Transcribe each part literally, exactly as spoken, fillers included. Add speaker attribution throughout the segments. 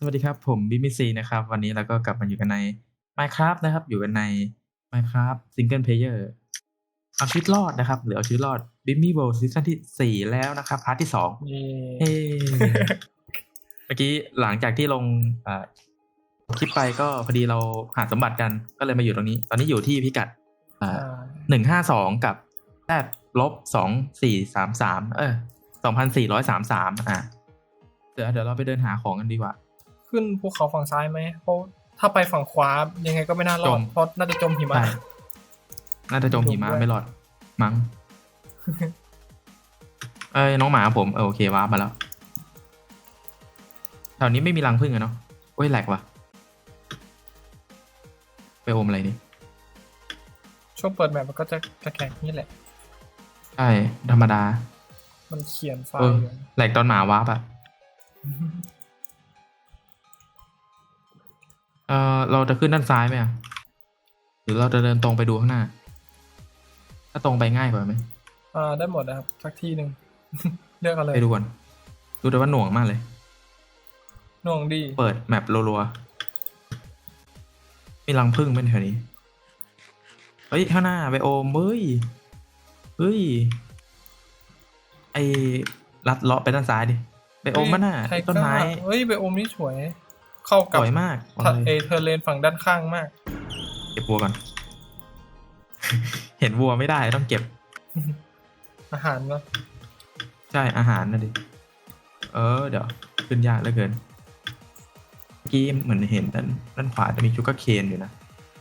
Speaker 1: สวัสดีครับผมบิ๊กมิซีนะครับ วันนี้เราก็กลับมาอยู่กันใน Minecraft นะครับ อยู่กันใน Minecraft Single Player เอาชีวิตรอดนะครับหรือเอาชีวิตรอด Bimmy World ซีซั่นที่สี่แล้วนะครับพาร์ทที่สอง
Speaker 2: เย่
Speaker 1: เฮ้ เมื่อกี้หลังจากที่ลงอ่าคลิปไปก็พอดีเราหาสมบัติกันก็เลยมาอยู่ตรงนี้ ตอนนี้อยู่ที่พิกัดอ่า
Speaker 2: อ่า
Speaker 1: หนึ่งห้าสองกับแปดลบสองสี่สามสามเออสองพันสี่ร้อยสามสามอ่ะเดี๋ยวเดี๋ยวเราไปเดินหาของกันดีกว่า
Speaker 2: ขึ้นภูเขาฝั่งซ้ายไหมเพราะถ้าไปฝั่งขวายังไงก็ไม่น่ารอ
Speaker 1: จ
Speaker 2: ด
Speaker 1: ม
Speaker 2: เพราะน่าจะจมหิมะ
Speaker 1: ใช่น่าจะจมหิมะ
Speaker 2: จมด้วย
Speaker 1: ไม่รอด มั้ง เอ้ยน้องหมาผมเออโอเควาร์ปมาแล้วแถวนี้ไม่มีรังผึ้งอะเนาะโอ้ยแหลกว่ะ ไปอมอะไรนี่
Speaker 2: ช่วงเปิดแมปมันก็จะจะแข็งนี่แหละ
Speaker 1: ใช่ ธรรมดา
Speaker 2: มันเขียนไฟ
Speaker 1: เออ
Speaker 2: ล์อยู่
Speaker 1: แหลกตอนหมาวาร์ปอะเออเราจะขึ้นด้านซ้ายไหมอะหรือเราจะเดินตรงไปดูข้างหน้า ถ้าตรงไปง่ายกว่าไหม
Speaker 2: อ่าได้หมดนะครับสักที่หนึ่ง เลือกเอาเลย
Speaker 1: ไปดูก่อนดูแต่ว่าหน่วงมากเลย
Speaker 2: หน่วงดี
Speaker 1: เปิดแมปรัวๆ มีรังผึ้งเป็นแถวนี้ เฮ้ยข้างหน้าไปโอมเฮ้ย เฮ้ย ไอลัดเลาะไปด้านซ้ายดิ ไปโอมมันน่ะ
Speaker 2: ไท
Speaker 1: ต้นไม้
Speaker 2: เฮ้ยไปโอมนี่สวย เข้า
Speaker 1: ส
Speaker 2: กับ
Speaker 1: วยมาก
Speaker 2: ทะ
Speaker 1: เอา
Speaker 2: เอ
Speaker 1: เลย
Speaker 2: เทอร์เลนฝั่งด้านข้างมาก
Speaker 1: เก็บวัวก่อน เห็นวัวไม่ได้ต้องเก็บ
Speaker 2: อาหารเนาะ
Speaker 1: ใช่อาหารนะดิ เออ เดี๋ยว ขึ้นยากเหลือเกิน เมื่อกี้เหมือนเห็นด้านด้านขวาจะมีชูการ์เคนอยู่นะ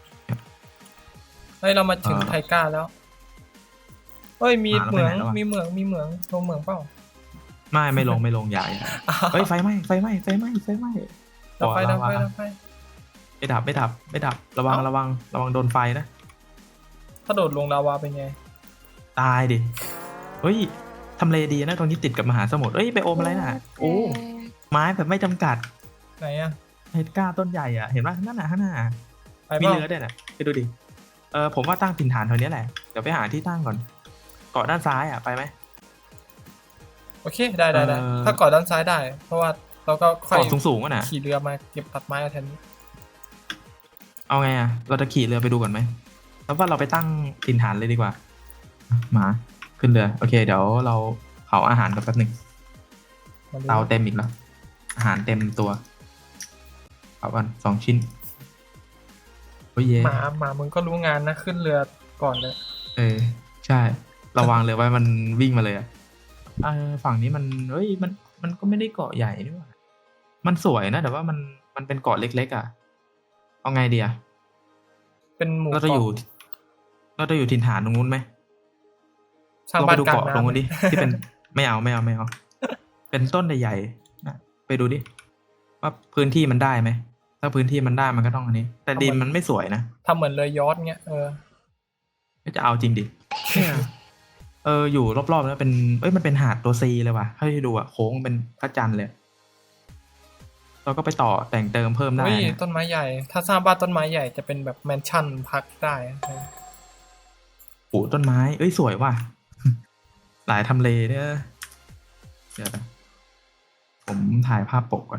Speaker 2: เฮ้ยเรามาถึง
Speaker 1: อ่า
Speaker 2: ไทก้าแล้วเฮ้ยมี
Speaker 1: อ่าแล้ว
Speaker 2: เหมือง
Speaker 1: ไปไหนแล้ววะ
Speaker 2: มีเหมืองมีเหมืองลงเหมืองเปล่า
Speaker 1: ไม่ไม่ลงไม่ลงใหญ่าอย่าเฮ้ยไฟไหม้ไฟไหม้ไฟไหม้ไฟไหม้
Speaker 2: ดับไฟ
Speaker 1: บ่อ
Speaker 2: ดับ
Speaker 1: ลาวา
Speaker 2: ไฟดับไฟ
Speaker 1: ไม่ดับไม่ดับไม่ดับ ระวัง
Speaker 2: เอ้า
Speaker 1: ระวังระวังโดนไฟนะ
Speaker 2: ถ้าโดดลงลาวาเป็นไง
Speaker 1: ตายดิ เฮ้ย ทำเลดีนะตรงนี้ติดกับมหาสมุทรเอ้ย ไปโอมอะไรน่ะ โอ้ ไม้แบบไม่จำกัด
Speaker 2: ไหนอะ
Speaker 1: เฮดก้าต้นใหญ่อ่ะ เห็นป่ะนั่นน่ะข้างหน้า
Speaker 2: ไป
Speaker 1: มี
Speaker 2: เปล่า
Speaker 1: เรือด้วยน่ะไปดูดิ เออผมว่าตั้งถิ่นฐานแถวนี้แหละ เดี๋ยวไปหาที่ตั้งก่อน เกาะด้านซ้ายอ่ะ ไปไหม
Speaker 2: โอเคได้ได้ได้
Speaker 1: เอ่อ
Speaker 2: ถ้าเกาะด้านซ้ายได้ เพราะว่าเราก็ค่อย
Speaker 1: เกาะสูงๆอ่ะนะ
Speaker 2: ขี่เรือมาเก็บตัดไม้เอาแทนนี้
Speaker 1: เอาไงอ่ะ เราจะขี่เรือไปดูก่อนไหมแล้วว่าเราไปตั้งถิ่นฐานเลยดีกว่าอ่ะมาขึ้นเรือ โอเค เดี๋ยวเราเผาอาหารกันแป๊บหนึ่ง
Speaker 2: มาดู
Speaker 1: เตาเต็มอีกแล้ว อาหารเต็มตัวเผากันสองชิ้น โอ้ยเย่
Speaker 2: หมาหมามึงก็รู้งานนะขึ้นเรือก่อนเลย
Speaker 1: เออ ใช่ ระวังเลยว่ามันวิ่งมาเลยอ่ะเออฝั่งนี้มันเฮ้ย มัน มันก็ไม่ได้เกาะใหญ่นี่หว่ามันสวยนะ แต่ว่ามัน มันเป็นเกาะเล็กๆอ่ะ เอาไงดีอ่ะ
Speaker 2: เป็นหมู่
Speaker 1: เราจะอยู่
Speaker 2: เกาะ
Speaker 1: เราจะอยู่ถิ่นฐานตรงนู้นไหม
Speaker 2: สร้าง
Speaker 1: ลอง
Speaker 2: บ้า
Speaker 1: ไป
Speaker 2: น
Speaker 1: ดู
Speaker 2: กลาง
Speaker 1: เกาะตรงนู้น
Speaker 2: น้ำ
Speaker 1: ดิ ที่เป็น ไม่เอาไม่เอาไม่เอา เป็นต้นใหญ่ๆนะไปดูดิ ว่าพื้นที่มันได้ไหม ถ้าพื้นที่มันได้มันก็ต้องอันนี้ แต่ดินมันไม่สวยนะ
Speaker 2: ทำเหมือนเรือยอชต์เงี้ยเออ
Speaker 1: ก็จะเอาจริงดิ เอออยู่รอบๆแล้วเป็น เอ้ยมันเป็นหาดตัวซีเลยว่ะให้ดูอ่ะโค้งเป็นพระจันทร์เลย เราก็ไปต่อแต่งเติมเพิ่มได้
Speaker 2: เฮ้ย
Speaker 1: นะ
Speaker 2: ต้นไม้ใหญ่ ถ้าสร้างบ้านต้นไม้ใหญ่จะเป็นแบบแมนชั่นพักได้เออ
Speaker 1: ปลูกต้นไม้ เอ้ยสวยว่ะ หลายทำเลเนี่ยเดี๋ยวนะผมถ่ายภาพปกก่อน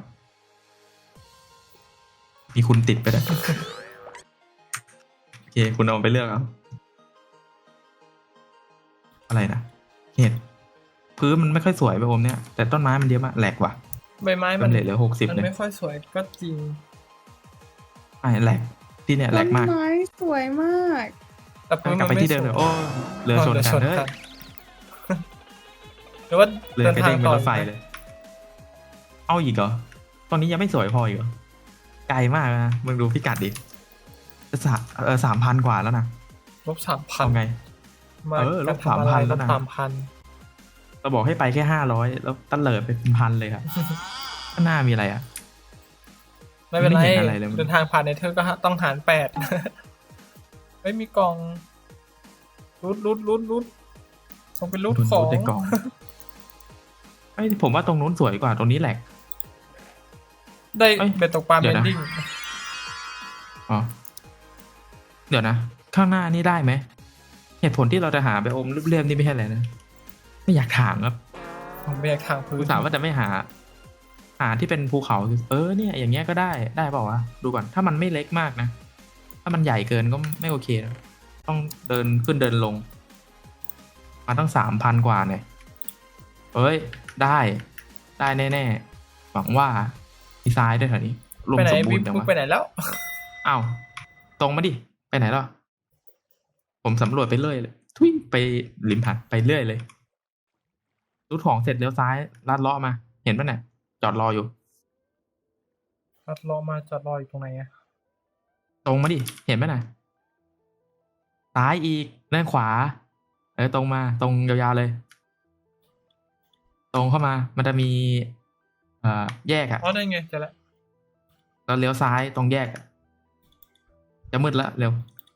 Speaker 1: มีคุณติดไปด้วย โอเค คุณเอาไปเลือกเอา อะไรนะเห็ดพื้นมันไม่ค่อยสวยไปโอมเนี่ย แต่ต้นไม้มันเยอะมากแหลกว่ะ
Speaker 2: ใบไม้
Speaker 1: มั
Speaker 2: มัน น
Speaker 1: เหลือเหลือหกสิบ
Speaker 2: มัน
Speaker 1: เลย
Speaker 2: ไม่ค่อยสวยก็จริง
Speaker 1: ไอ้แหลกที่เนี่ยแหล
Speaker 3: ต้
Speaker 1: ก
Speaker 3: น
Speaker 1: มาก
Speaker 3: ไม้สวยมาก
Speaker 2: แต่พื้น
Speaker 1: กลั
Speaker 2: มั
Speaker 1: บ
Speaker 2: น
Speaker 1: ไป
Speaker 2: ไม่
Speaker 1: ที่เดิม
Speaker 2: ส
Speaker 1: เล
Speaker 2: วย
Speaker 1: ยโอ้เรือชนกัน
Speaker 2: เรือ
Speaker 1: เฮ้ย
Speaker 2: หรือว่า
Speaker 1: เรือ
Speaker 2: เดิน
Speaker 1: กระ
Speaker 2: ทา
Speaker 1: เด้
Speaker 2: ง
Speaker 1: งเป็
Speaker 2: ต่
Speaker 1: น
Speaker 2: อ
Speaker 1: รถไฟเลย เอาอีกเหรอตอนนี้ยังไม่สวยพออีกเหรอไกลมากนะมึงดูพิกัดดิจะสามเออสามพันกว่าแล้วนะ
Speaker 2: ลบสามพัน
Speaker 1: เอาไง
Speaker 2: มา
Speaker 1: เออลบ
Speaker 2: กรทำอะไร
Speaker 1: สามพันแล้
Speaker 2: ล
Speaker 1: ว
Speaker 2: บ
Speaker 1: นะ
Speaker 2: สามพัน
Speaker 1: เราบอกให้ไปแค่ห้าร้อยแล้วตั้นเลิดไปเป็นพันเลยครับข้างหน้ามีอะไรอ่ะ
Speaker 2: ไม่เป็นไร
Speaker 1: ไม่เห็นอะไรเลย
Speaker 2: เดินทางผ่านในเธอก็ต้องหารแปด เฮ้ยมีกล่องรุดรุดรุดรุดต้องเป็นรุด
Speaker 1: คุณ
Speaker 2: ของ
Speaker 1: รู้ในกล่องไอ้ยผมว่าตรงนู้นสวยกว่าตรงนี้แหละ
Speaker 2: ได้
Speaker 1: เอ้ย
Speaker 2: เบ็ดตกปลา
Speaker 1: เดี๋
Speaker 2: เบ
Speaker 1: ยวน นะ
Speaker 2: ดิ้ง
Speaker 1: อ๋อเดี๋ยวนะ ข้างหน้านี่ได้ไหมเหตุผลที่เราจะหาไปอมรูปเรียมนี่ไม่ใช่อะไรนะไม่อยากถามครับ
Speaker 2: ผมไม่อยากทางพื้
Speaker 1: คุ
Speaker 2: น
Speaker 1: ณถามว่าจะไม่หา หหาที่เป็นภูเขาเออเนี่ยอย่างเงี้ยก็ได้ได้เปล่าวะดูก่อนถ้ามันไม่เล็กมากนะถ้ามันใหญ่เกินก็ไม่โอเคนะต้องเดินขึ้นเดินลงมาตั้งสามพันกว่าเนี่ยเอ้ยได้ได้แน่ๆหวังว่ามีซ้ายด้วยแถวนี้รวม
Speaker 2: ไปไหน
Speaker 1: สมบู
Speaker 2: วิ
Speaker 1: รณ์แต่
Speaker 2: มึง
Speaker 1: ว่า
Speaker 2: ไปไหนแล้ว
Speaker 1: อ้าวตรงมาดิไปไหนล่ะผมสำรวจไปเรื่อยเลยทุยไปริมหาดไปเรื่อยเลยรูดของเสร็จเลี้ยวซ้ายลัดเลาะมา เห็นปะเนี่ยจอดรออยู่
Speaker 2: จอดรอมาจอดรออยู่ตรงไหนอะ
Speaker 1: ตรงมาดิเห็นปะน่ะซ้ายอีกด้านขวาเออตรงมาตรงยาวๆเลย ตรงเข้ามา มันจะมีเอ่อแยกอะ
Speaker 2: อ๋อได้ไงเจอแล้ว
Speaker 1: แล้วเลี้ยวซ้ายตรงแยกอะจะมืดละเร็ว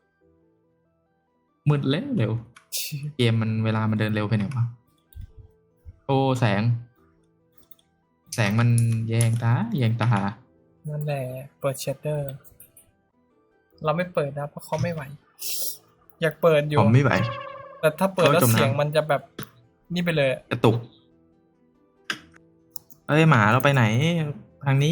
Speaker 1: มืดเร็วเร็วเกมมันเวลามันเดินเร็วไปไหนวะโอ้แสง แสงมันแยงตาแยงตา
Speaker 2: นั่นแหละเปิดเชดเดอร์ เราไม่เปิดนะเพราะเขาไม่ไหว อยากเปิดอยู่
Speaker 1: ผมไม่ไหว
Speaker 2: แต่ถ้าเปิดแล้ว
Speaker 1: เขาจมน้ำ
Speaker 2: เสียงมันจะแบบนี่ไปเลยอะ
Speaker 1: กระตุก เอ้ยหมาเราไปไหน ทางนี้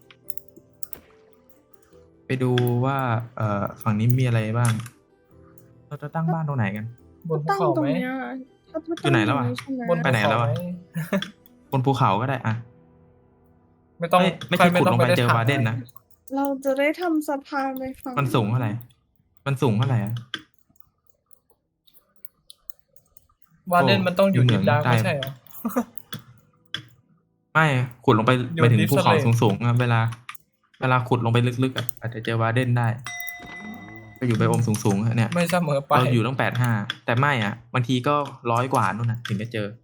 Speaker 1: ไปดูว่าเอ่อฝั่งนี้มีอะไรบ้าง เราจะตั้งบ้านตรงไหนกัน
Speaker 2: บนภู
Speaker 3: ตั้ง
Speaker 2: เขา
Speaker 3: ตร
Speaker 2: ไห
Speaker 3: ง
Speaker 2: ม
Speaker 3: เนี้ยถ้า
Speaker 1: อยู่ไหนแล้วอะ
Speaker 3: ใช่ไหม
Speaker 2: บน
Speaker 1: ไปไหนแล้วอะ
Speaker 2: ภูเขาม
Speaker 1: บนภูเขาก็ได้อะ
Speaker 2: ไม่ต้อง
Speaker 1: ไม่ไม่ใช่
Speaker 2: ใคร
Speaker 1: ขุดลงไป
Speaker 2: ม่ต้
Speaker 1: เจอ
Speaker 2: ถม
Speaker 1: วาร์เดนนะ
Speaker 3: เราจะได้ทำสะพานไปฝั่ง
Speaker 1: มันสูงเท่าไหร่ มันสูงเท่าไหร่อะ
Speaker 2: วาเดนมันต้องอยู่
Speaker 1: อยู่เหมื
Speaker 2: ดิ
Speaker 1: อน
Speaker 2: นดาร์ก
Speaker 1: ใต้
Speaker 2: ไม่ใช่เหรอ
Speaker 1: ไม่ขุดลงไป
Speaker 2: อยู่
Speaker 1: ไปถึง
Speaker 2: Deep
Speaker 1: ภูเขา
Speaker 2: Slate
Speaker 1: สูงๆอะเวลา เวลาขุดลงไปลึกๆอะอาจจะเจอวาร์เดนได้ไปอยู่ไบโอมสูงๆอะเนี่ย
Speaker 2: ไม่เสมอไป
Speaker 1: เราอยู่ต้องแปดห้าแต่ไม่อ่ะบางทีก็ร้อยกว่านู่นน่ะ ถึงจะเจอ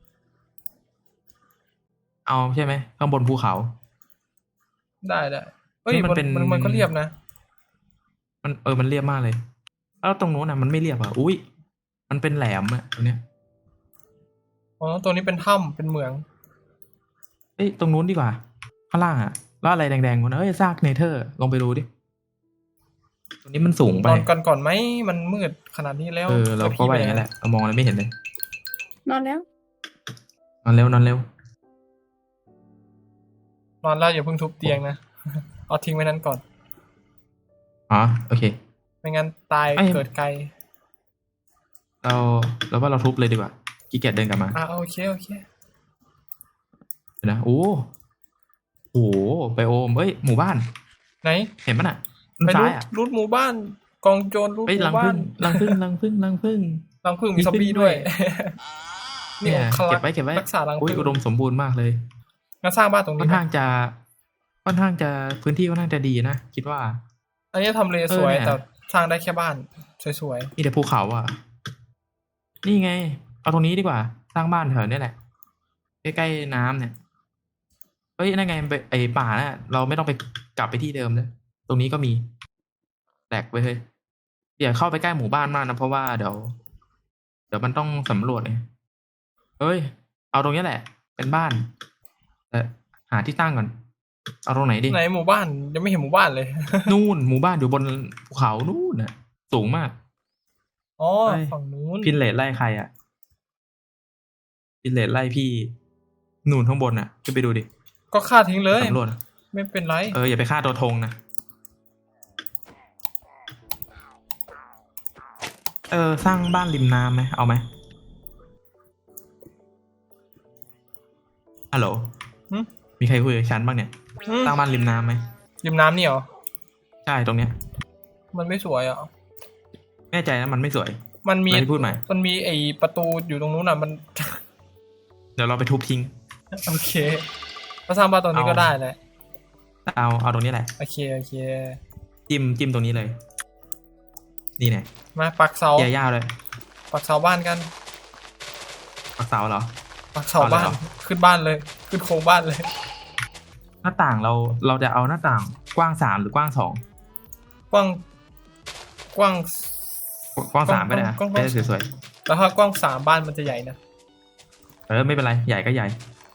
Speaker 1: เอาใช่ไหมข้างบนภูเขา
Speaker 2: ได้ได้เอ้ย
Speaker 1: นี่มัน
Speaker 2: มัน
Speaker 1: เป็น
Speaker 2: มันมันก็เรียบนะ
Speaker 1: มันเออมันเรียบมากเลย แล้วตรงนู้นอ่ะมันไม่เรียบอ่ะอุ้ยมันเป็นแหลมอ่ะตรงเนี้ย
Speaker 2: อ๋อตัวนี้เป็นถ้ำเป็นเหมือง
Speaker 1: เอ้ยตรงนู้นดีกว่า ข้างล่างอ่ะแล้วอะไรแดงๆวะนะเอ้ยซากเนเธอร์ลงไปดูดิตรงนี้มันสูงไป
Speaker 2: นอนกันก่อนไหมมันมืดขนาดนี้แล้ว
Speaker 1: เออเราก็ว่าอย่างนั้นแหละเรามองอะไรไม่เห็นเลย
Speaker 3: นอนแล้ว
Speaker 1: นอนเร็วนอนเร็วน
Speaker 2: อนแล้วอย่าเพิ่งทุบเตียงนะ เอาทิ้งไว้นั้นก่อน
Speaker 1: อ๋อโอเค
Speaker 2: ไม่งั้นตาย
Speaker 1: เอ้ย
Speaker 2: เกิดไกล
Speaker 1: เราเราว่าเราทุบเลยดีกว่าขี้เกียจเดินกลับมา
Speaker 2: อ่ะโอเคโอเค
Speaker 1: เดี๋ยวนะโอ้โหไบโอมเอ้ยหมู่บ้าน
Speaker 2: ไหน
Speaker 1: เห็นปะน่ะ
Speaker 2: ไป
Speaker 1: ซ้า
Speaker 2: รู
Speaker 1: ย
Speaker 2: ด
Speaker 1: อ่ะ
Speaker 2: รูดหมู่บ้าน กองโจรรูด
Speaker 1: เฮ้ย
Speaker 2: ห
Speaker 1: รัง
Speaker 2: มู่บ้า
Speaker 1: พึ่
Speaker 2: น
Speaker 1: งรังพึ่งรังพึ่งรังพึ่ง
Speaker 2: รังผึ้งมี
Speaker 1: มี
Speaker 2: ซอมบี้
Speaker 1: พึ่งด้
Speaker 2: ด้ว
Speaker 1: วย ย
Speaker 2: นี่
Speaker 1: เนี่ย
Speaker 2: องคลั
Speaker 1: เก็บไว้เก็บไว้
Speaker 2: รักษารัง
Speaker 1: อุ้ย
Speaker 2: ผึ้ง
Speaker 1: อุดมสมบูรณ์มากเลย
Speaker 2: งั้นสร้างบ้านตรง
Speaker 1: ค่
Speaker 2: นี้
Speaker 1: อน
Speaker 2: ไหม
Speaker 1: ข้างจะค่อนข้างจะพื้นที่ค่อนข้างจะดีนะคิดว่า
Speaker 2: อันนี้ทำเล
Speaker 1: เออ
Speaker 2: สวย
Speaker 1: เนี่ย
Speaker 2: แต่สร้างได้แค่บ้านสวย
Speaker 1: มีแต่ภูเขาอ่ะ นี่ไง เอาตรงนี้ดีกว่า สร้างบ้านแถวนี้แหละใกล้ๆน้ำเนี่ยเฮ้ยนั่นไงไปไอป่าน่ะ เราไม่ต้องไปกลับไปที่เดิมเลยตรงนี้ก็มีแตกไปเฮ้ยอย่าเข้าไปใกล้หมู่บ้านมากนะเพราะว่าเดี๋ยวเดี๋ยวมันต้องสำรวจไงเฮ้ย เอาตรงนี้แหละ เป็นบ้านแต่หาที่ตั้งก่อน เอาตรงไหนดิ
Speaker 2: ๆไหนหมู่บ้านยังไม่เห็นหมู่บ้านเลย
Speaker 1: นู่นหมู่บ้านอยู่บนภูเขานู่นน่ะ สูงมาก
Speaker 2: อ๋อ
Speaker 1: เฮ้ย
Speaker 2: ฝั่งนู้น
Speaker 1: พินเลตไล่ใครอ่ะพินเลตไล่พี่นู่นข้างบนอ่ะขึ้นไปดูดิ
Speaker 2: ก็ฆ่าทิ้งเลย
Speaker 1: สำรวจอะ
Speaker 2: ไม่เป็นไร
Speaker 1: เอออย่าไปฆ่าตัวธงนะเออสร้างบ้านริมน้ำไหมเอาไหมฮัลโหล
Speaker 2: หึ
Speaker 1: มีใครคุยกับฉันบ้างเนี่ย
Speaker 2: อืม
Speaker 1: สร้างบ้านริมน้ำไหม
Speaker 2: ริมน้ำนี่เหรอ
Speaker 1: ใช่ตรงเนี้ย
Speaker 2: มันไม่สวยอ่ะ
Speaker 1: แน่ใจนะมันไม่สวย
Speaker 2: มันมี
Speaker 1: อะไรที่พูดใหม่
Speaker 2: มันมีไอประตูอยู่ตรงนู้นอ่ะมัน
Speaker 1: เดี๋ยวเราไปทุบทิ้ง
Speaker 2: โอเคก็สร้างบ้านตรงนี้
Speaker 1: เอา
Speaker 2: ก็ได้แหละ
Speaker 1: เอาเอาตรงนี้แหละ
Speaker 2: โอเคโอเค
Speaker 1: จิ้มจิ้มตรงนี้เลย นี่เนี่ย
Speaker 2: มาปักเสา
Speaker 1: แย่ยาวเลย
Speaker 2: ปักเสาบ้านกัน
Speaker 1: ปักเสาเหรอ
Speaker 2: ปักเสา
Speaker 1: เอาเลย
Speaker 2: บ้าน
Speaker 1: เหรอ
Speaker 2: ขึ้นบ้านเลย ขึ้นโครงบ้านเลย
Speaker 1: หน้าต่างเราเราจะเอาหน้าต่างกว้างสามหรือกว้างสอง
Speaker 2: กว้างกว้าง
Speaker 1: กว้างสามก็ได้นะ
Speaker 2: กว้างๆ
Speaker 1: ไม่ได้สวย
Speaker 2: แล้วถ้ากว้างสามบ้านมันจะใหญ่นะ
Speaker 1: ๆเออไม่เป็นไรใหญ่ก็ใหญ่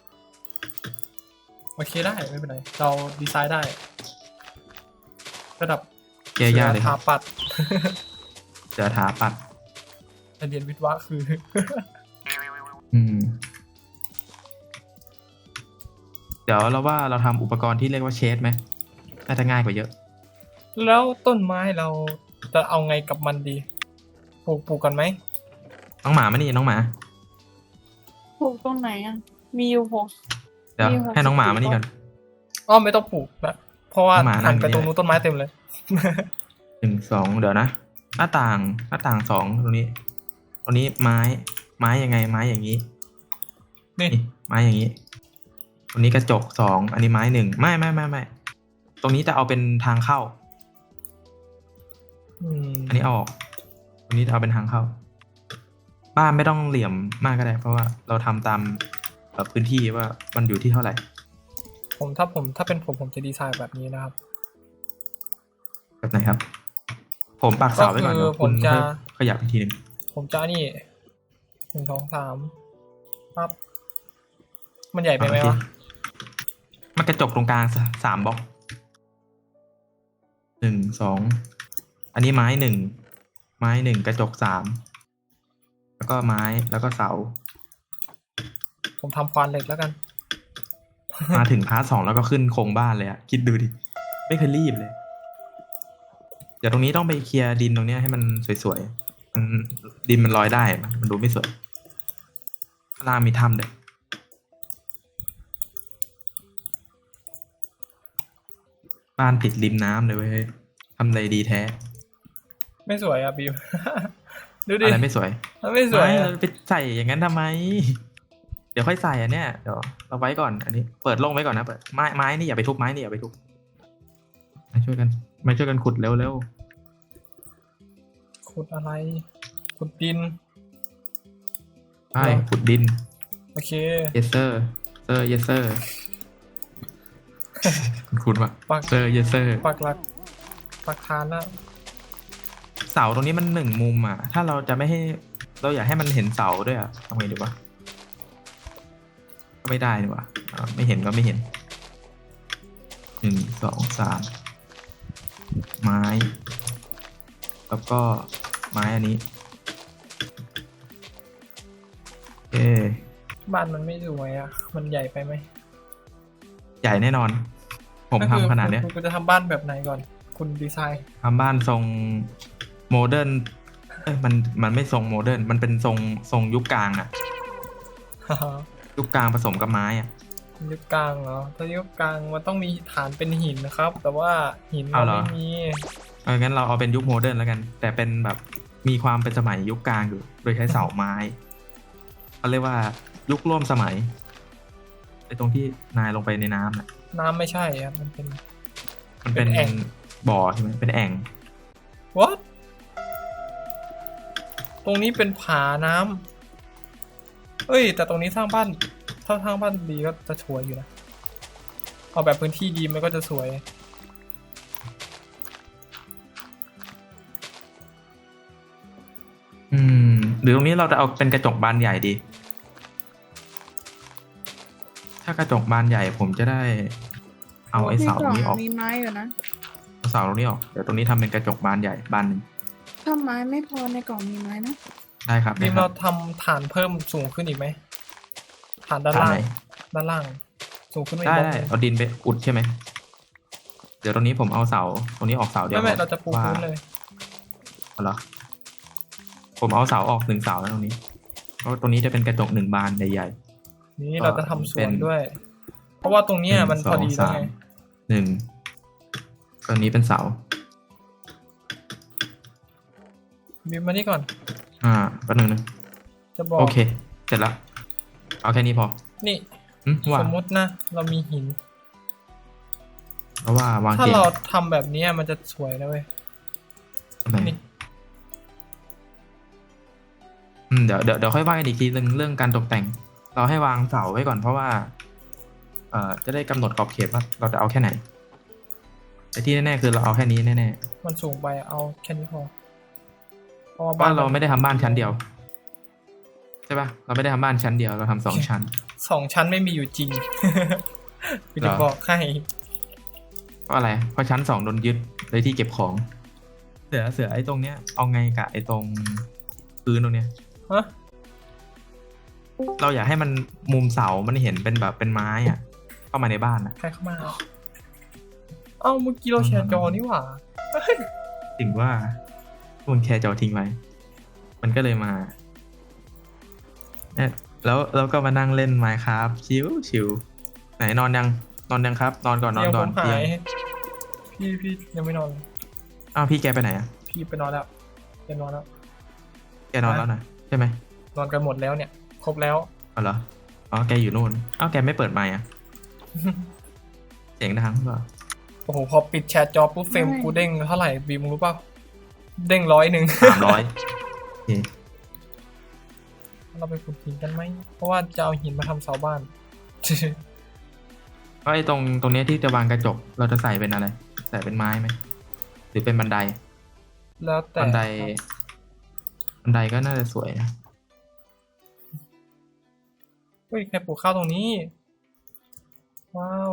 Speaker 2: โอเคได้ไม่เป็นไรเราดีไซน์ได้ ระดับ
Speaker 1: แย่ยากเลย
Speaker 2: ถา
Speaker 1: ครับ
Speaker 2: ปัด
Speaker 1: เสือถาปัด
Speaker 2: เรียนวิทย์วะคือ
Speaker 1: อืมเดี๋ยวเราว่าเราทำอุปกรณ์ที่เรียกว่าเชดไหมน่าจะง่ายกว่าเยอะ
Speaker 2: แล้วต้นไม้เราจะเอาไงกับมันดีปลูกปลูกกันไหม
Speaker 1: น้องหมามานี่น้องหมา
Speaker 3: ปลูกตรงไหนอ่ะ มีอยู่หก
Speaker 1: เดี๋ยว
Speaker 3: มีหก
Speaker 1: ให้น้องหมา
Speaker 3: สิบ
Speaker 1: มานี่ก่อน
Speaker 2: อ้อไม่ต้องปลูกนะเพราะว่า
Speaker 1: หมานั่
Speaker 2: หั
Speaker 1: ง
Speaker 2: นไป
Speaker 1: อยู่
Speaker 2: ตรง
Speaker 1: นี่
Speaker 2: นู้นต้นไม้เต็มเลย
Speaker 1: หนึ่งสองเดี๋ยวนะ หน้าต่างหน้าต่างสองตรงนี้ ตรงนี้ไม้ไม้ยังไงไม้อย่างนี้
Speaker 2: นี่
Speaker 1: นี่ไม้อย่างนี้ ตรงนี้กระจกสองอันนี้ไม้หนึ่งไม่ไม่ไม่ไม่ตรงนี้จะเอาเป็นทางเข้า
Speaker 2: อืม
Speaker 1: อันนี้เอาออกตรงนี้จะเอาเป็นทางเข้า บ้านไม่ต้องเหลี่ยมมากก็ได้ เพราะว่าเราทำตามแบบพื้นที่ว่ามันอยู่ที่เท่าไหร่
Speaker 2: ผมถ้าผมถ้าเป็นผมผมจะดีไซน์แบบนี้นะครับ
Speaker 1: แบบไหนครับ ผมปักเสาไว้ก่อน
Speaker 2: ก็คือ
Speaker 1: เดี๋ยวคุณ
Speaker 2: ผมจะ
Speaker 1: ค่อยขยับอีกทีหนึง
Speaker 2: ผมจะนี่หนึ่งสองสามปั๊บมันใหญ่ไปไหมวะ
Speaker 1: มันกระจกตรงกลางสสามบล็อกหนึ่งสองอันนี้ไม้หนึ่งไม้หนึ่งกระจกสามแล้วก็ไม้แล้วก็เสา
Speaker 2: ผมทำควานเหล็กแล้วกัน
Speaker 1: มาถึงพาร์ทสองแล้วก็ขึ้นโครงบ้านเลยอะคิดดูดิ ไม่เคยรีบเลย เดี๋ยวตรงนี้ต้องไปเคลียร์ดินตรงเนี้ยให้มันสวยๆมันดินมันลอยได้มันมันดูไม่สวยข้างล่างมีถ้ำด้วยบ้านติดริมน้ำเลยเว้ยทำเลดีแท้
Speaker 2: ไม่สวยอ่ะบิว ดูดิ
Speaker 1: อะไรไม่สวย
Speaker 2: มันไม่สวย
Speaker 1: ไม่
Speaker 2: อะ
Speaker 1: เราไปใส่อย่างนั้นทำไม เดี๋ยวค่อยใส่อันเนี้ยเดี๋ยวเราไว้ก่อนอันนี้ เปิดโล่งไว้ก่อนนะเปิดไม้ไม้นี่อย่าไปทุบไม้นี่อย่าไปทุบมาช่วยกันมาช่วยกันขุดเร็วเร็ว
Speaker 2: ขุดอะไรขุดดิน
Speaker 1: ไปขุดดิน
Speaker 2: โอเค
Speaker 1: yes sir sir yes sir คุณว่ะ
Speaker 2: ปัก
Speaker 1: sir yes sir
Speaker 2: ปักหลักปักฐานนะ
Speaker 1: เสาตรงนี้มันหนึ่งมุมอ่ะ ถ้าเราจะไม่ให้เราอยากให้มันเห็นเสาด้วยอ่ะทำไงดีวะก็ไม่ได้นี่วะอ่าไม่เห็นก็ไม่เห็นหนึ่งสองสามไม้ แล้วก็ไม้อันนี้เอ
Speaker 2: บ้านมันไม่สวยอ่ะ มันใหญ่ไปไหม
Speaker 1: ใหญ่แน่นอน ผม
Speaker 2: ก็คือ
Speaker 1: ทำขนาดเนี้ย
Speaker 2: คุณคุณจะทำบ้านแบบไหนก่อน คุณดีไซน์
Speaker 1: ทำบ้านทรงโมเดิร์นเอ้ยมันมันไม่ทรงโมเดิร์นมันเป็นทรงทรงยุคกลางอะยุคกลางผสมกับไม้อะ
Speaker 2: ยุคกลางเหรอถ้ายุคกลางมันต้องมีฐานเป็นหินนะครับ แต่ว่าหิน
Speaker 1: เอา
Speaker 2: มัน
Speaker 1: เหรอ
Speaker 2: ไม่มี
Speaker 1: เอองั้นเราเอาเป็นยุคโมเดิร์นแล้วกัน แต่เป็นแบบมีความเป็นสมัยยุคกลางอยู่ โดยใช้เสาไม้เขาเรียกว่ายุคร่วมสมัยไอ้ตรงที่นายลงไปในน้ำน่ะ
Speaker 2: น้ำไม่ใช่ครับมันเป็น
Speaker 1: มันเป็น
Speaker 2: เป็นแอ่ง
Speaker 1: บ่อใช่ไหมเป็นแอ่ง
Speaker 2: what ตรงนี้เป็นผาน้ำเอ้ย แต่ตรงนี้สร้างบ้านถ้าสร้างบ้านดีก็จะสวยอยู่นะเอาแบบพื้นที่ดีมันก็จะสวย
Speaker 1: อืมหรือตรงนี้เราจะเอาเป็นกระจกบานใหญ่ดี ถ้ากระจกบานใหญ่ผมจะได้ เอาไอ้เสาตรงนี้ออก
Speaker 3: มีไม้อยู่นะ
Speaker 1: เอาเสาตรงนี้ออกเดี๋ยวตรงนี้ทำเป็นกระจกบานใหญ่บานหนึ่ง
Speaker 3: ถ้าไม้ไม่พอในกล่องมีไม้นะ
Speaker 1: ได้ครับ
Speaker 2: บี
Speaker 1: ได้
Speaker 2: ม
Speaker 1: ค
Speaker 2: เรา
Speaker 1: รับ
Speaker 2: ทำฐานเพิ่มสูงขึ้นอีกไหมฐานด้าน
Speaker 1: ฐาน
Speaker 2: ล่าง
Speaker 1: ไหน
Speaker 2: ด้านล่าง สูงขึ้นมาอี
Speaker 1: ได้
Speaker 2: กบล็อก
Speaker 1: ได้
Speaker 2: หนึ่ง
Speaker 1: เอาดินไปอุดใช่ไหมเดี๋ยวตรงนี้ผมเอาเสาตรงนี้ออกเสาเดียว
Speaker 2: ไม่ไม่
Speaker 1: พอ
Speaker 2: เราจะปู
Speaker 1: ว่า
Speaker 2: พื้นเลย
Speaker 1: เอาเหรอผมเอาเสาออกหนึ่งเสาแล้วตรงนี้เพราะตรงนี้จะเป็นกระจกหนึ่งบานใหญ่
Speaker 2: นี่
Speaker 1: ก็
Speaker 2: เราจะทำส
Speaker 1: เป็
Speaker 2: วน
Speaker 1: น
Speaker 2: ด้วย เพราะว่าตรง
Speaker 1: ๆ
Speaker 2: เนี้ยมัน
Speaker 1: หง
Speaker 2: พอดี
Speaker 1: ส
Speaker 2: แล้ว
Speaker 1: ง
Speaker 2: ไง
Speaker 1: สามหนึ่งตรงนี้เป็นเสา
Speaker 2: บีมมานี่ก่อน
Speaker 1: อ่าแป๊บนึงนะ
Speaker 2: จะบอก
Speaker 1: โอเค เสร็จแล้ว เอาแค่นี้พอ
Speaker 2: นี่
Speaker 1: หึว่า
Speaker 2: สมมตินะ เรามีหิน
Speaker 1: เพราะว่าวาง
Speaker 2: ถ้า
Speaker 1: เตียง
Speaker 2: เราทำแบบเนี้ยมันจะสวยนะเว้ย
Speaker 1: ทำไม
Speaker 2: นี่
Speaker 1: อืมเดี๋ยวเดี๋ยวเดี๋ยวค่อยว่ากันอีกทีนึงเรื่องการตกแต่ง เราให้วางเสาไว้ก่อนเพราะว่า เอ่อจะได้กำหนดขอบเขตว่าเราจะเอาแค่ไหนแต่ที่แน่ๆคือเราเอาแค่นี้แน่
Speaker 2: มันสูงไปเอาแค่นี้พอเพราะว่า
Speaker 1: ๆ
Speaker 2: บ้า
Speaker 1: บ้าน นเรา
Speaker 2: เรา
Speaker 1: ไม่ได้ทำบ้านชั้นเดียวใช่ปะเราไม่ได้ทำบ้านชั้นเดียวเราทำสองชั้น
Speaker 2: สองชั้นไม่มีอยู่จริง พี่
Speaker 1: เหร
Speaker 2: จะ
Speaker 1: อ
Speaker 2: บอกให้
Speaker 1: เพราะอะไรเพราะชั้นสองโดนยึดเลยที่เก็บของ เสือเสือไอ้ตรงเนี้ยเอาไงกับไอ้ตรงพื้นตรงเนี้ย
Speaker 2: ฮะ
Speaker 1: เราอยากให้มันมุมเสามันเห็นเป็นแบบเป็นไม้อ่ะเข้ามาในบ้านนะ
Speaker 2: ใครเข้ามา เอ้าเมื่อกี้เราแชร์จอนี่หว่า
Speaker 1: ถึงว่าคุณแคร์จอทิ้งไว้ มันก็เลยมาเนี่ยแล้วแล้วก็มานั่งเล่น Minecraft ชิวชิวไหนนอนยังนอนยังครับ นอนก่อนนอน
Speaker 2: เตียง
Speaker 1: ก่
Speaker 2: ผ
Speaker 1: อน
Speaker 2: มหา
Speaker 1: เตียง
Speaker 2: ย พี่พี่ยังไม่นอน
Speaker 1: อ้าวพี่แกไปไหนอ่ะ
Speaker 2: พี่ไปนอนแล้วแกนอนแล้ว
Speaker 1: แกนอนแล้วนะใช่ไหม
Speaker 2: นอนกันหมดแล้วเนี่ย ครบแล้ว
Speaker 1: อ๋อเหรออ๋อแกอยู่นู่นอ้าวแกไม่เปิดไมค์อ่ะ เสียงดังหรือเปล่า
Speaker 2: โอ้โห พอปิดแชทจอปุ๊บเฟรมกูเด้งเท่าไหร่บีมรู้เปล่า เด้งร้อยหนึ่ง
Speaker 1: สามร้อยโอเค
Speaker 2: เราไปขุดหินกันไหม เพราะว่าจะเอาหินมาทำเสาบ้าน
Speaker 1: ก็ไอ้ตรงตรงเนี้ยที่จะวางกระจกเราจะใส่เป็นอะไร ใส่เป็นไม้ไหมหรือเป็นบันได
Speaker 2: แล้วแต่
Speaker 1: บันไดบันไดก็น่าจะสวยนะ
Speaker 2: เฮ้ยใครปลูกข้าวตรงนี้ ว้าว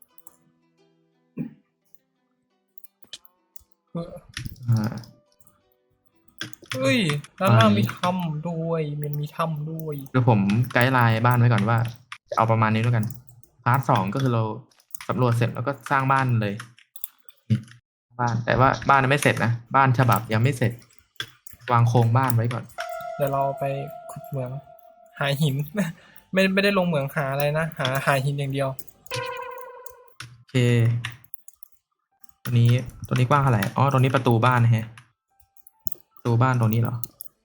Speaker 2: เฮ้ย
Speaker 1: อ่า
Speaker 2: เฮ้ยด้านล่างมีถ้ำด้วยมันมีถ้ำด้วย
Speaker 1: เดี๋ยวผมไกด์ไลน์บ้านไว้ก่อนว่าจะเอาประมาณนี้ด้วยกัน พาร์ทสองก็คือเราสำรวจเสร็จแล้วก็สร้างบ้านเลยนี่บ้านแต่ว่าบ้านยังไม่เสร็จนะบ้านฉบับยังไม่เสร็จ วางโครงบ้านไว้ก่อน
Speaker 2: เดี๋ยวเราไปขุดเหมือง หาหิน ไม่ไม่ได้ลงเหมืองหาอะไรนะ หาหาหินอย่างเดียว
Speaker 1: โอเค ตัวนี้ตัวนี้กว้างเท่าไหร่อ๋อตรงนี้ประตูบ้านนะฮะประตูบ้านตรงนี้เหรอ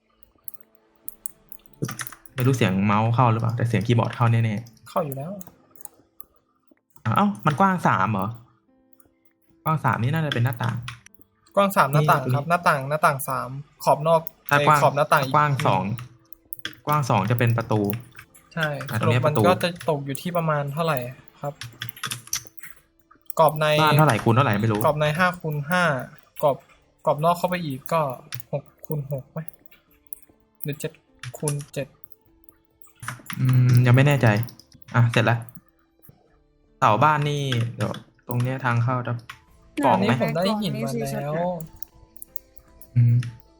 Speaker 1: ไม่รู้เสียงเมาส์เข้าหรือเปล่าแต่เสียงคีย์บอร์ดเข้าแน่
Speaker 2: เข้าอยู่แล้ว
Speaker 1: ๆเอ้ามันกว้างสามเหรอกว้างสามนี่น่าจะเป็นหน้าต่าง
Speaker 2: กว้างสามหน้าต่าง
Speaker 1: นี่
Speaker 2: ครับ หน้าต่างหน้าต่างสามขอบนอก
Speaker 1: ถ้า
Speaker 2: ไอ้
Speaker 1: กว้าง
Speaker 2: ขอบหน้าต่าง
Speaker 1: กว้างสองกว้างสองจะเป็นประตู
Speaker 2: ใช่
Speaker 1: อ่ะ
Speaker 2: ส
Speaker 1: ตรง
Speaker 2: รุป
Speaker 1: นี้
Speaker 2: มั
Speaker 1: ป
Speaker 2: น
Speaker 1: ระตู
Speaker 2: ก็จะตกอยู่ที่ประมาณเท่าไหร่ครับกรอบใน
Speaker 1: บ้านเท่าไหร่คูณเท่าไหร่ไม่รู้
Speaker 2: กรอบในห้าคูณห้ากรอบกรอบนอกเข้าไปอีกก็หกคูณหกไหมหรือเจ็ดคูณเจ็ด
Speaker 1: อืมยังไม่แน่ใจ อ่ะเสร็จแล้วเสาบ้านนี่เดี๋ยวตรงเนี้ยทางเข้าจะกล่อง
Speaker 2: อันนี้
Speaker 1: ไหม
Speaker 2: ผมได้หินมาแล้ว
Speaker 1: อืม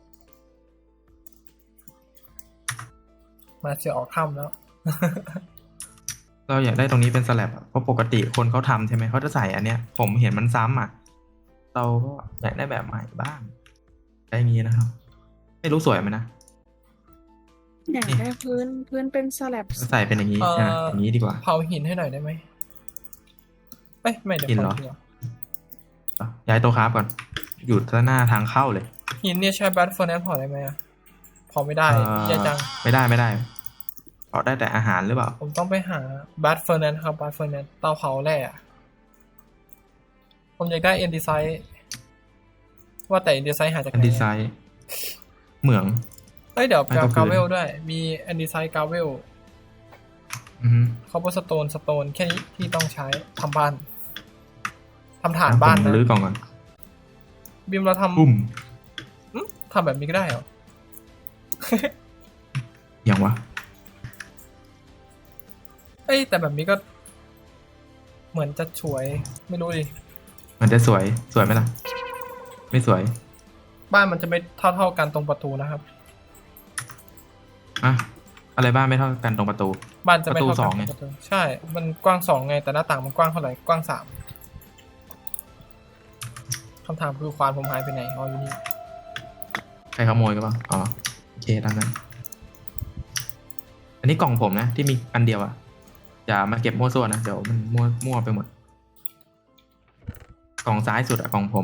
Speaker 2: มาเสียออกถ้ำแล้ว
Speaker 1: เราอยากได้ตรงนี้เป็นสแลบอะเพราะปกติคนเขาทำใช่ไหมเขาจะใส่อันเนี้ย ผมเห็นมันซ้ำอ่ะ เราก็อยากได้แบบใหม่บ้างได้อย่างงี้นะครับ ไม่รู้สวยไหมนะ
Speaker 3: อยากได้พื้นพื้นเป็นสลับ
Speaker 1: ใส่เป็นอย่างนี้
Speaker 2: เอ่ออ่
Speaker 1: อ่ะอย่างนี้ดีกว่า
Speaker 2: เผาหินให้หน่อยได้ไหมเอ้ยไม่เดี๋ยว
Speaker 1: หินเหรอ
Speaker 2: เผาหินก่อน
Speaker 1: อ่ะย้ายโต๊ะคราฟก่อน อยู่ด้านหน้าทางเข้าเลย
Speaker 2: หินเนี่ยใช้แบทเฟอร์แนนเผาได้ไหมอะเผาไม่ได้
Speaker 1: เอ่อ
Speaker 2: แย่จัง
Speaker 1: ไม่ได้ไม่ได้เผาได้แต่อาหารหรือเปล่า
Speaker 2: ผมต้องไปหาแบทเฟอร์แนนครับแบทเฟอร์แนนเตาเผาแร่อะผมอยากได้เอ็นดีไซน์ว่าแต่เอ็นดีไซน์หาจากไห
Speaker 1: อัน
Speaker 2: น
Speaker 1: ดีไซน์ เหมือง
Speaker 2: เอ้ยเดี๋ยว
Speaker 1: ไม่
Speaker 2: แปล
Speaker 1: ก็
Speaker 2: กา
Speaker 1: พื้น
Speaker 2: เวลด้วย มีเอ็นดีไซน์กาเวล
Speaker 1: อือฮึ
Speaker 2: คอปเปอร์สโตนสโตนแค่นี้ที่ต้องใช้ทำบ้านทำฐานบ้าน
Speaker 1: ผม
Speaker 2: นะ
Speaker 1: รื้อกล่องก่อน
Speaker 2: บิมเราท
Speaker 1: ปุ้ม
Speaker 2: ำอื้อทำแบบนี้ก็ได้เหรอ
Speaker 1: อย่างวะ
Speaker 2: เอ้ยแต่แบบนี้ก็ เหมือนจะสวยไม่รู้ดิ
Speaker 1: มันจะสวยสวยไหมล่ะ ไม่สวย
Speaker 2: บ้านมันจะไม่เท่าเท่าๆกันตรงประตูนะครับ
Speaker 1: อ่ะอะไรบ้างไม่เท่ากันตรงประตู
Speaker 2: บ้านจะไม่
Speaker 1: ประตู
Speaker 2: เท่า
Speaker 1: ส
Speaker 2: กั
Speaker 1: อน งไง
Speaker 2: ตรงประตูใช่ มันกว้างสองไงแต่หน้าต่างมันกว้างเท่าไหร่กว้างสามคำถามคือควานผมหายไปไหนอ๋ออยู่นี่
Speaker 1: ใครขโมยกันบ้างอ๋อโอเคตามนั้น อันนี้กล่องผมนะที่มีอันเดียวอะอย่ามาเก็บมั่วซั่วนะเดี๋ยวมันมั่วมั่วไปหมด กล่องซ้ายสุดอะกล่องผม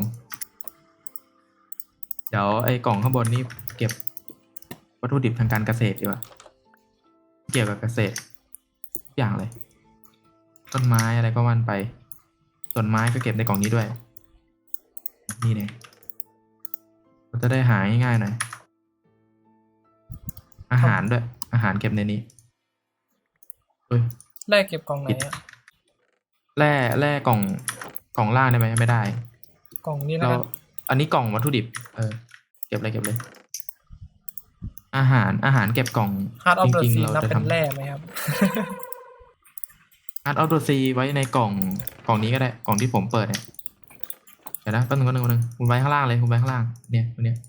Speaker 1: เดี๋ยวไอ้กล่องข้างบนนี่เก็บวัตถุดิบทางการเกษตรดีกว่าเกี่ยวกับเกษตรทุกอย่างเลย ต้นไม้อะไรก็วันไปต้นไม้ก็เก็บในกล่องนี้ด้วย นี่เนี่ยเราจะได้หาง่ายๆหน่อยอาหารด้วย อาหารเก็บในนี้เฮ้ย
Speaker 2: แรกเก็บกล่องไหนอะ
Speaker 1: แร่แร่กล่องกล่องล่างได้ไหมไม่ได้
Speaker 2: กล่องนี้แล้ว
Speaker 1: เรา
Speaker 2: กัน
Speaker 1: อันนี้กล่องวัตถุดิบ เออ เก็บเลยเก็บเลย อาหารอาหารเก็บกล่อง
Speaker 2: ฮาร์ดออฟเดอะ
Speaker 1: จริง
Speaker 2: ซี
Speaker 1: ๆเรา
Speaker 2: นับ
Speaker 1: จะ
Speaker 2: เป็น
Speaker 1: ทำ
Speaker 2: แร่ไหมครับ
Speaker 1: ฮาร์ดออฟเดอะซีไว้ในกล่องกล่องนี้ก็ได้กล่องที่ผมเปิดเนี่ยเดี๋ยวนะแป๊บนึงแป๊บนึงแป๊บนึงคุณไว้ข้างล่างเลยคุณไว้ข้างล่างเนี่ยตัวเนี้ย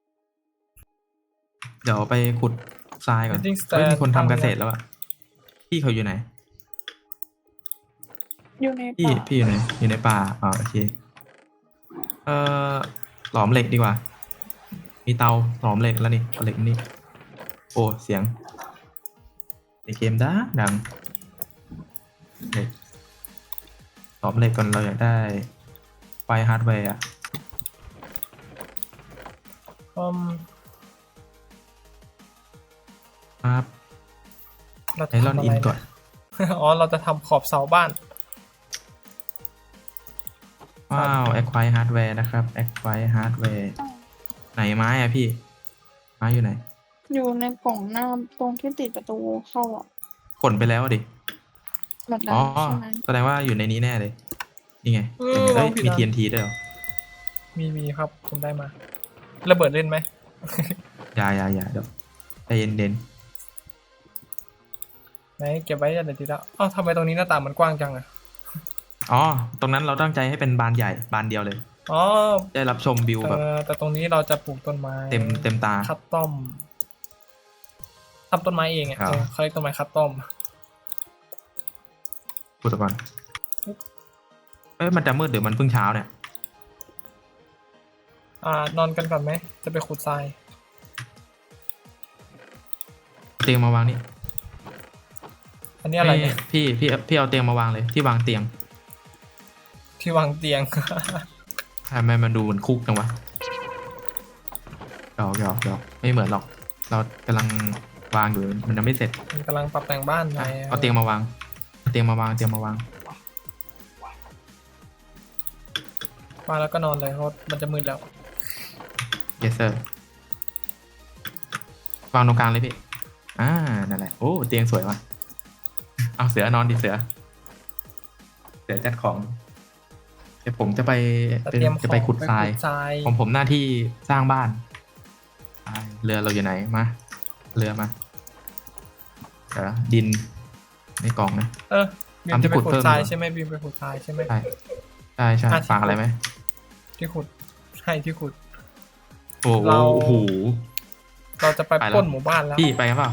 Speaker 1: เดี๋ยวไปขุดทรายก่อน
Speaker 2: Building
Speaker 1: เฮ้ย
Speaker 2: stand
Speaker 1: มีคนทำเกษตรแล้วอะพี่เขาอยู่ไหน
Speaker 3: อยู่ใน
Speaker 1: พี่
Speaker 3: ป่า
Speaker 1: พี่อยู่ไหนอยู่ในป่าอ๋อโอเคเอ่อหลอมเหล็กดีกว่า มีเตาหลอมเหล็กแล้วนี่เอาเหล็กนี่โอ้เสียงในเกมดังดังเหล็กหลอมเหล็กก่อนเราอยากได้ไฟฮาร์ดแวร์อะ
Speaker 2: อืม
Speaker 1: ครับ
Speaker 2: เรา
Speaker 1: ไอ
Speaker 2: จะ
Speaker 1: รอน
Speaker 2: ทำอะ
Speaker 1: อิ
Speaker 2: ไร
Speaker 1: นก่อน
Speaker 2: เนี่ย อ๋อ เราจะทำขอบเสาบ้าน
Speaker 1: ว้าวแอคไวฮาร์ดแวร์นะครับแอคไวฮาร์ดแวร์ไหนไม้อะพี่ไม้อยู่ไหน
Speaker 3: อยู่ในกล่องหน้าตรงที่ติดประตูเข้าอ่ะ
Speaker 1: ขนไปแล้วอะดิ
Speaker 3: แบบนั้
Speaker 1: อ๋
Speaker 3: น
Speaker 1: อ
Speaker 3: ใช่ไหม
Speaker 1: แสดงว่าอยู่ในนี้แน่เลย นี่ไง
Speaker 2: เออ
Speaker 1: เอ้ยว
Speaker 2: างผิด
Speaker 1: มี
Speaker 2: อัน
Speaker 1: ที เอ็น ที ด้วยเหรอ
Speaker 2: มีมีครับผมได้มา ระเบิดเล่นไหม
Speaker 1: อย่าอย่าอย่าเดี๋ยวใจเย็นเด่น
Speaker 2: ไหนเก็บไว้เดี๋ยวทีละอ้าวทำไมตรงนี้หน้าต่างมันกว้างจังอะ
Speaker 1: อ๋อ ตรงนั้นเราตั้งใจให้เป็นบานใหญ่บานเดียวเลย
Speaker 2: อ๋อ
Speaker 1: ได้รับชมวิว
Speaker 2: เอ
Speaker 1: แบบ
Speaker 2: อแต่ตรงนี้เราจะปลูกต้นไม้
Speaker 1: เต็มเต็มตา
Speaker 2: คัสตอมทำต้นไม้เองอ่ะ
Speaker 1: ครับ
Speaker 2: เออเขาเรียกต้นไม้คัสตอม
Speaker 1: พูดก่อนเอ้ยมันจะมืดหรือมันเพิ่งเช้าเนี่ย
Speaker 2: อ่านอนกันก่อนไหมจะไปขุดทราย
Speaker 1: เตียงมาวางนี่
Speaker 2: อันนี้อะไรเนี่ย
Speaker 1: พี่พี่พี่เอาเตียงมาวางเลยที่วางเตียง
Speaker 2: ที่วางเตียง
Speaker 1: ทำไมมันดูเหมือนคุกจังวะหยอกหยอกหยอกไม่เหมือนหรอก เรากำลังวางอยู่มันยังไม่เสร็จ
Speaker 2: มันกำลังปรับแต่งบ้านไง
Speaker 1: เอาเตียงมาวางเอาเตียงมาวางเตียงมาวาง
Speaker 2: มาแล้วก็นอนเลยเพราะมันจะมืดแล้ว
Speaker 1: yes sir วางตรงกลางเลยพี่ อ่า นั่นแหละ โอ้ เตียงสวยว่ะ เอาเสือนอนดิเสือ เสือจัดของ เดี๋ยวผมจะไป
Speaker 2: จะเตรียม
Speaker 1: จะไป
Speaker 2: ของ
Speaker 1: ขุดทราย
Speaker 2: ทราย
Speaker 1: ของผมหน้าที่สร้างบ้านอ่าเรือเราอยู่ไหน มา เรือมา เดี๋ยวนะดินในกล่องนะ
Speaker 2: เออบีม
Speaker 1: ทำที่
Speaker 2: จะไป
Speaker 1: ขุด
Speaker 2: ขุด
Speaker 1: เพิ่ม
Speaker 2: ทราย
Speaker 1: ดีกว่า
Speaker 2: ใช่ไหมบีมไปขุดทรายใช่ไหม
Speaker 1: ใช่ใช่ใช่
Speaker 2: อ่ะที่
Speaker 1: ฝากอะไรไหม
Speaker 2: ที่ขุดใช่ที่ขุด
Speaker 1: โอ้โห
Speaker 2: เรา
Speaker 1: โอ้โห
Speaker 2: เราจะไป
Speaker 1: ไปแล้ว
Speaker 2: ปล้นหมู่บ้านแล้ว
Speaker 1: พี่ไปกันเปล่า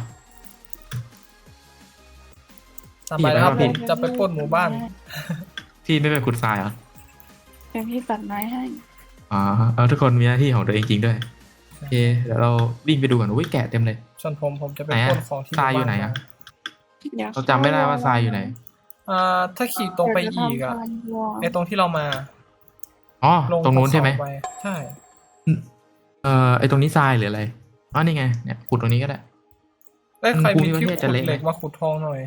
Speaker 2: ตามไปแล้วครับ
Speaker 1: พี่
Speaker 2: ผมจะไปปล้นหมู่บ้าน
Speaker 1: พี่ไม่ไปขุดทรายเหรอ
Speaker 3: เดี๋ยวพี่ตัดไม้ให้
Speaker 1: อ๋อเอาทุกคนมีหน้าที่ของตัวเองจริงด้วย โอเค เดี๋ยวเราวิ่งไปดูกันอุ้ยแกะเต็มเลย
Speaker 2: ส่วนผมผมจะไป
Speaker 1: ไหนอะ
Speaker 2: ปล้นของที่
Speaker 1: ทรายอยู่ไหน
Speaker 2: บ้
Speaker 1: อะ
Speaker 3: เดี๋ยว
Speaker 1: เราจำไม่ได้ว่าทรายอยู่ไหน
Speaker 2: อ่าถ้าขี่ตรงไปอีกอะ
Speaker 3: เดี๋ยวจะทำฟาร์มวัว
Speaker 2: ไอตรงที่เรามา
Speaker 1: อ๋อ
Speaker 2: ลง
Speaker 1: ตรงนู้นใช่ไหม
Speaker 2: ภูเขาปใช่
Speaker 1: เอ่อไอตรงนี้ทรายหรืออะไรอ๋อนี่ไงเนี่ยขุดตรงนี้ก็ได้
Speaker 2: เอ้ยใคร
Speaker 1: ภู
Speaker 2: มี
Speaker 1: มิประ
Speaker 2: ที่
Speaker 1: เทศ
Speaker 2: ขุ
Speaker 1: จะ
Speaker 2: ด
Speaker 1: เละไหม
Speaker 2: เหล็กมาขุดทองหน่อย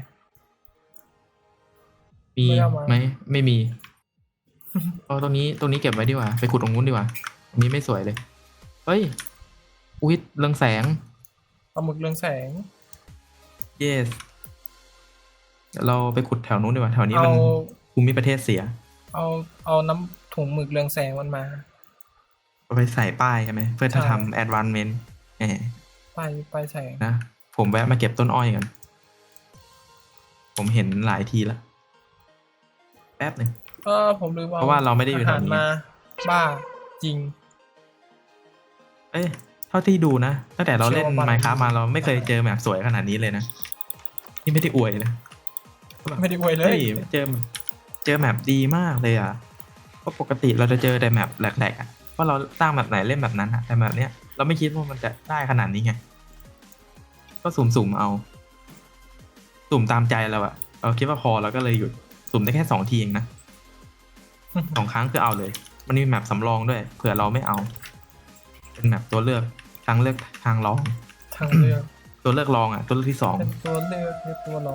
Speaker 1: มี
Speaker 2: ไม่เอามา
Speaker 1: ไหมไม่มีเอาตรงนี้ตรงนี้เก็บไว้ดีกว่าไปขุดตรงนู้นดีกว่าตรงนี้ไม่สวยเลยเฮ้ยอุ้ยเรืองแสง
Speaker 2: ปลาหมึกเรืองแสง
Speaker 1: yes เดี๋ยวเราไปขุดแถวนู้นดีกว่าแถวนี้
Speaker 2: เอา
Speaker 1: มันภูมิประเทศเสีย
Speaker 2: เอาเอาน้ำถุงหมึกเรืองแสงมันมา
Speaker 1: เอาไปใส่ป้ายใช่ไหมเพื่อจะ
Speaker 2: ใช่
Speaker 1: ทำ advancement แหม
Speaker 2: ไปไปแสง
Speaker 1: นะผมแวะมาเก็บต้นอ้อยกันผมเห็นหลายทีแล้วแป๊บหนึ่ง
Speaker 2: เออผมลืม
Speaker 1: เพราะว่าเราไม่ได้อยู่แถวนี้
Speaker 2: อาหารมาบ้าจริง
Speaker 1: เอ้ยเท่าที่ดูนะตั้งแต่เราเล่น
Speaker 2: เชื่อว่า
Speaker 1: Minecraft มาเราไม่เคยเจอแบบสวยขนาดนี้เลยนะนี่ไม่ได้อวยนะ
Speaker 2: ไม่ได้อวยเล
Speaker 1: เฮ้
Speaker 2: ย
Speaker 1: ยเจอเจอแมปดีมากเลยอ่ะเพราะปกติเราจะเจอแต่แมปแหลกๆอ่ะว่าเราสร้างแบบไหนเล่นแบบนั้นอ่ะแต่แบบเนี้ยเราไม่คิดว่ามันจะได้ขนาดนี้ไงก็สุ่มๆเอา สุ่มตามใจเราอ่ะเราคิดว่าพอเราก็เลยหยุดสุ่มได้แค่สองทีเองนะ สองครั้งคือเอาเลย มันมีแมปสำรองด้วยเผื่อเราไม่เอา เป็นแมปตัวเลือกทางเลือกทางรอง
Speaker 2: ทางเลือก
Speaker 1: ตัวเลือกรองอ่ะตัวเลือกที่สอง
Speaker 2: เป็นตัวเลือกเป็นตัวรอง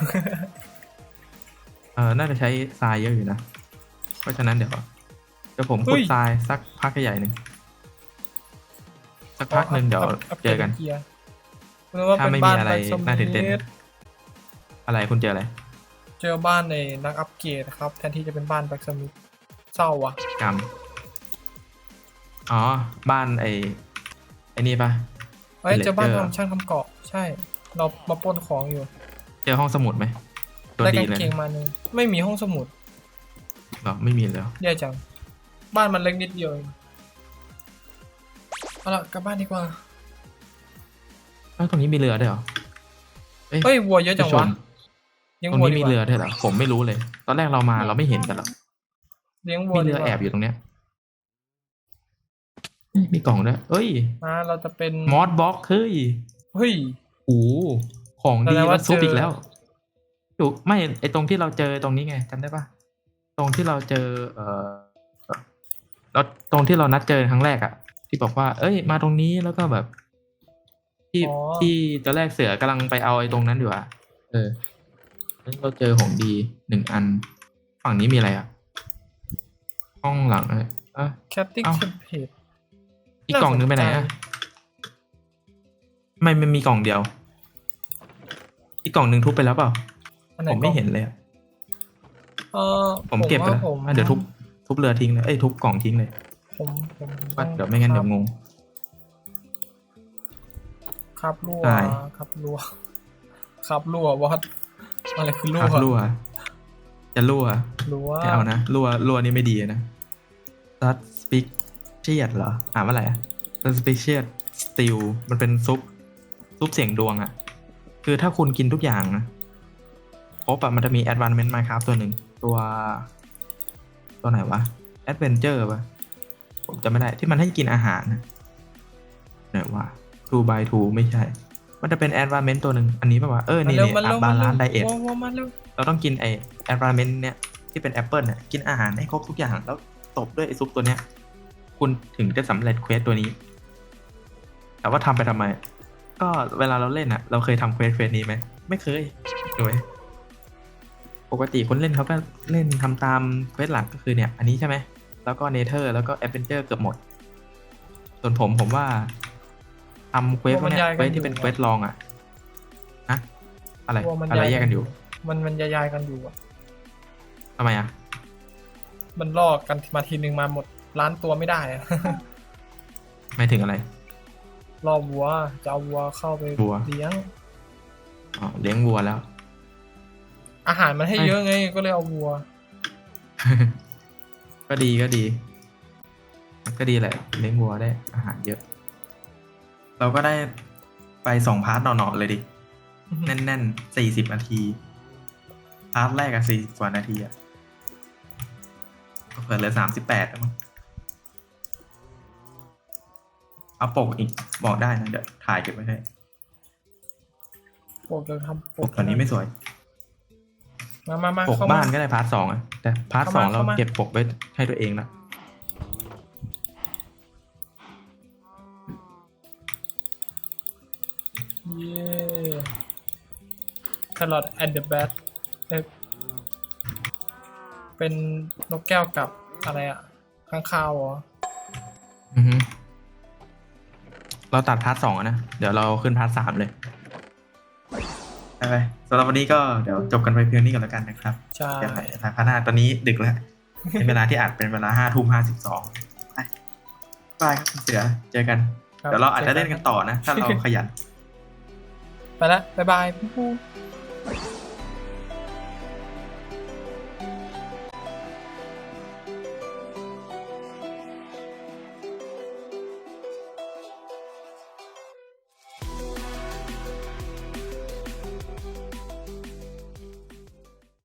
Speaker 1: เออน่าจะใช้ทรายเยอะอยู่นะเพราะฉะนั้นเดี๋ยวเดี๋ยวผมขุดทรายสักพักใหญ่หนึ่งสักพักหนึ่งเดี๋ยวเจอกัน
Speaker 2: กียร์เรียกว่า
Speaker 1: ถ้า
Speaker 2: เป็น
Speaker 1: ไม่
Speaker 2: บ้า
Speaker 1: มี
Speaker 2: น
Speaker 1: อะไร
Speaker 2: แบบสมิธ
Speaker 1: น่าตื่นเต้นอะไรคุณเจออะไร
Speaker 2: เจอบ้านในนักอัปเกรดครับ แทนที่จะเป็นบ้านแบ็กสมิธเศร้าอ่ะ
Speaker 1: กรรมอ๋อบ้านไอ้ไอ้นี่ปะ
Speaker 2: เอ้ย
Speaker 1: Villager
Speaker 2: เจอบ้านทำช่างทำเกาะใช่ เรามาปล้นของอยู่
Speaker 1: เจอห้องสมุดไหมโดน
Speaker 2: ได้
Speaker 1: ดี
Speaker 2: กาง
Speaker 1: เลย
Speaker 2: เกงมาหนึ่งไม่มีห้องสมุด
Speaker 1: เหรอไม่มีเลยเหรอ
Speaker 2: แย่จัง บ้านมันเล็กนิดเดียวเองเอาละกลับบ้านดีกว่า
Speaker 1: เอ้าตรงนี้มีเรือด้วยเหรอ
Speaker 2: เฮ้ยวัวเยอะจัง
Speaker 1: ผู้ช
Speaker 2: วะ
Speaker 1: ม
Speaker 2: เลี้ยง
Speaker 1: ตรง
Speaker 2: วัว
Speaker 1: นี้
Speaker 2: ดี
Speaker 1: มี
Speaker 2: กว่า
Speaker 1: เรือด้วยเหรอผมไม่รู้เลย ตอนแรกเรามาเราไม่เห็นกันหรอก
Speaker 2: เลี้ยงวัว
Speaker 1: มีเรื
Speaker 2: ดี
Speaker 1: อก
Speaker 2: ว่า
Speaker 1: แอบอยู่ตรงเนี้ยเฮ้ยมีกล่องด้วยเอ้ย
Speaker 2: มาเราจะเป็น
Speaker 1: มอสบ็อกเฮ้ย
Speaker 2: เฮ้ย
Speaker 1: โอ้โหของดี
Speaker 2: แสดงว่า
Speaker 1: แล้วซุป
Speaker 2: เจออี
Speaker 1: อีกแล้วอยู่ไม่ไอตรงที่เราเจอตรงนี้ไงจำได้ปะตรงที่เราเจอ เอ่อแล้วตรงที่เรานัดเจอครั้งแรกอะที่บอกว่า เอ้ย มาตรงนี้แล้วก็แบบ ที่
Speaker 2: อ๋อ
Speaker 1: ที่ตอนแรกเสือกำลังไปเอาไอ้ตรงนั้นอยู่อะเออแล้วเราเจอของดีหนึ่งอัน ฝั่งนี้มีอะไรอะห้องหลังอะอ่ะ
Speaker 2: แคตติ้ง
Speaker 1: เอ้า
Speaker 2: เทมเพลต
Speaker 1: อีกกล่องนึงไปไหนอะไม่มันมีกล่องเดียว อีกกล่องหนึ่งทุบไปแล้วเปล่า
Speaker 2: อันไหน
Speaker 1: ผมไม่เห็นเลยอะ
Speaker 2: เออ
Speaker 1: ผมเก็บไป
Speaker 2: ว่า
Speaker 1: แล้ว
Speaker 2: ผม
Speaker 1: อ่ะเดี๋ยวทุบทุบเรือทิ้งเลยเอ้ยทุบกล่องทิ้งเลย
Speaker 2: ผมผม
Speaker 1: ว่า
Speaker 2: ต้อง
Speaker 1: เดี๋ยวไม่งั้นเดี๋ยวงง
Speaker 2: ครับรั่ว
Speaker 1: ได้
Speaker 2: ครับรั่วครับรั่ววอดอะไรคือรั่
Speaker 1: คว รับรั่ว จะรั่ว
Speaker 2: รั่ว
Speaker 1: ไม่เอานะรั่วรั่วนี่ไม่ดีนะ suspicious เหรออ่านว่าอะไรอะ suspicious stew มันเป็นซุปซุปเสียงดวงอะคือถ้าคุณกินทุกอย่างนะครบอะมันจะมี advancement Minecraft ตัวหนึ่งตัว ตัวไหนวะ adventure ปะผมจำไม่ได้ที่มันให้กินอาหารนะไหนวะ two by two ไม่ใช่ มันจะเป็น advancement ตัวหนึ่งอันนี้ปะวะเออ
Speaker 2: มา
Speaker 1: นี่
Speaker 2: เร็ว
Speaker 1: นี่
Speaker 2: มาเร็ว
Speaker 1: บา
Speaker 2: มาเร็
Speaker 1: ลาว นไดเอท
Speaker 2: วัววัวมาเร็ว
Speaker 1: เราต้องกินไอ environment เนี่ยที่เป็นแอปเปิลเนี่ยกินอาหารให้ครบทุกอย่างแล้วตบด้วยไอซุปตัวเนี้ย คุณถึงจะสำเร็จเควสตัวนี้ แต่ว่าทำไปทำไม ก็เวลาเราเล่นอะเราเคยทำเควสเควสนี้ไหมไม่เคยด้วยปกติคนเล่นเขาก็เล่นทำตามเควสหลักก็คือเนี่ย อันนี้ใช่ไหมแล้วก็เนเธอร์แล้วก็แอดเวนเจอร์เกือบหมด ส่วนผมผมว่าทำเควสพวกเนี้ยเควสที่เป็นเควสลองอะนะอะไร
Speaker 2: วัวมัน
Speaker 1: อะไรแยกกันอยู่
Speaker 2: มันมันยายๆกันอยู่อะ
Speaker 1: ทำไมอะ
Speaker 2: มันลอกกันมาทีนึงมาหมดล้านตัวไม่ได้อะ
Speaker 1: ไม่ถึงอะไร
Speaker 2: รอวัวจะเอาวัวเข้าไป
Speaker 1: วัว
Speaker 2: เลี้ยง
Speaker 1: อ๋อเลี้ยงวัวแล้ว
Speaker 2: อาหารมันให้
Speaker 1: ไม่
Speaker 2: เยอะไงก็เลยเอาวัว
Speaker 1: ก็ดีก็ดี ก็ดีแหละเลี้ยงวัวได้อาหารเยอะ เราก็ได้ไปสองพาร์ทหน่อๆเลยดิ แน่นๆสี่สิบนาที พาร์ทแรกอะสี่สิบกว่านาทีอะก็เผื่อเหลือสามสิบแปดแล้วมั้งเอาปกอีกบอกได้นะ เดี๋ยวถ่ายเก็บไว้ให้
Speaker 2: ปกจะทำ
Speaker 1: ปกตอนนี้ไม่สวย
Speaker 2: มามามา
Speaker 1: ปก
Speaker 2: เข้า
Speaker 1: บ้า
Speaker 2: มา
Speaker 1: นก็ได้พาร์ทสองอะแต่พาร์ทส
Speaker 2: เข้า
Speaker 1: อง
Speaker 2: มา
Speaker 1: เรา
Speaker 2: เข้ามา
Speaker 1: เก็บปกไว้ให้ตัวเองละ
Speaker 2: เย้แครอทแอนด์เดอะแบทเป็นนกแก้วกับอะไรอะข้างคาวเหรอ
Speaker 1: อือฮึเราตัดพาร์ทสองอะนะ เดี๋ยวเราขึ้นพาร์ทสามเลยไปไปสำหรับวันนี้ก็เดี๋ยวจบกันไปเพียงนี้ก่อนแล้วกันนะครับ
Speaker 2: ใช่
Speaker 1: เดี๋ยวไปทางข้างหน้าตอนนี้ดึกแล้ว เป็นเวลาที่อัดเป็นเวลาห้าทุ่มห้าสิบสองไปบายครับคุณเสือเจอกัน
Speaker 2: ครับ
Speaker 1: เดี๋ยวเราอาจจะเล่นกันต่อนะ ถ้าเราขยัน
Speaker 2: ไปละบ๊ายบายปุ๊บ